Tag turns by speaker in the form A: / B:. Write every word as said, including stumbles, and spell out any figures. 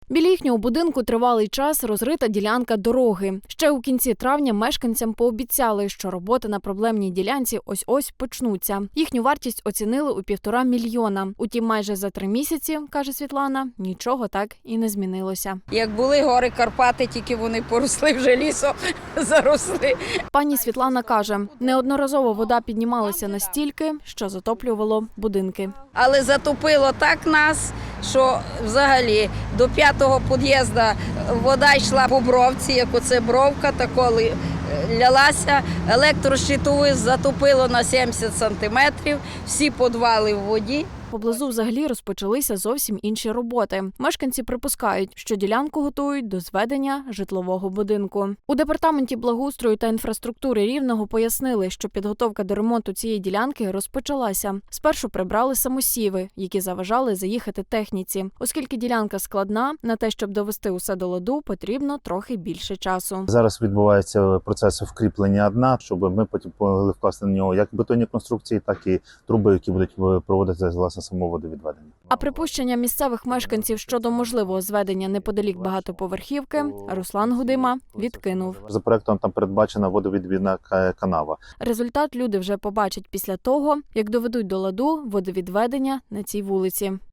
A: Біля їхнього будинку тривалий час розрита ділянка дороги. Ще у кінці травня мешканцям пообіцяли, що роботи на проблемній ділянці ось-ось почнуться. Їхню вартість оцінили у півтора мільйона. Утім, майже за три місяці, каже Світлана, нічого так і не змінилося.
B: Як були гори Карпати, тільки вони поросли вже лісом, заросли.
A: Пані Світлана каже, неодноразово вода піднімалася настільки, що затоплювало будинки.
B: Але затопило так нас, що взагалі до п'ятого під'їзду вода йшла по бровці, як оце бровка, тако лялася. Електрощитову затопило на сімдесят сантиметрів, всі підвали в воді.
A: Поблизу взагалі розпочалися зовсім інші роботи. Мешканці припускають, що ділянку готують до зведення житлового будинку. У департаменті благоустрою та інфраструктури Рівного пояснили, що підготовка до ремонту цієї ділянки розпочалася. Спершу прибрали самосіви, які заважали заїхати техніці. Оскільки ділянка складна, на те, щоб довести усе до ладу, потрібно трохи більше часу.
C: Зараз відбувається процес вкріплення дна, щоб ми потім могли вкласти на нього як бетонні конструкції, так і труби, які будуть проводити власне само водовідведення.
A: А припущення місцевих мешканців щодо можливого зведення неподалік багатоповерхівки Руслан Гудима відкинув.
C: За проектом там передбачена водовідвідна канава.
A: Результат люди вже побачать після того, як доведуть до ладу водовідведення на цій вулиці.